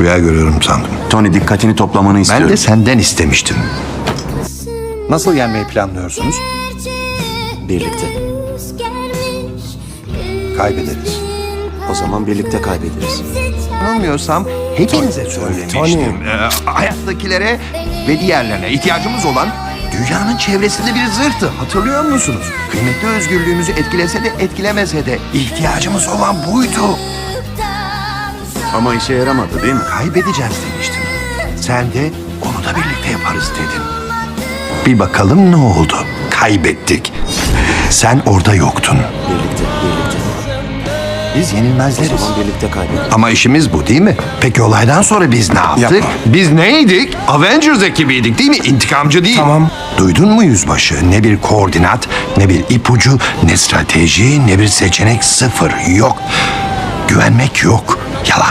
Rüya görüyorum sandım. Tony, dikkatini toplamanı istiyorum. Ben de senden istemiştim. Nasıl yenmeyi planlıyorsunuz? Birlikte. Kaybederiz. O zaman birlikte kaybederiz. Yanılmıyorsam hepinize söylemiştim. Hayattakilere ve diğerlerine ihtiyacımız olan dünyanın çevresinde bir zırhtı. Hatırlıyor musunuz? Kıymetli özgürlüğümüzü etkilese de etkilemese de ihtiyacımız olan buydu. Ama işe yaramadı değil mi? Kaybedeceğiz demiştim. Sen de onu da birlikte yaparız dedin. Bir bakalım ne oldu? Kaybettik. Sen orada yoktun. Birlikte. Biz O yenilmezleriz. zaman birlikte kaybederiz. Ama işimiz bu değil mi? Peki olaydan sonra biz ne yaptık? Yapma. Biz neydik? Avengers ekibiydik değil mi? İntikamcı değil. Tamam. Duydun mu yüzbaşı? Ne bir koordinat, ne bir ipucu, ne strateji, ne bir seçenek, sıfır. Yok. Güvenmek yok. Yalan.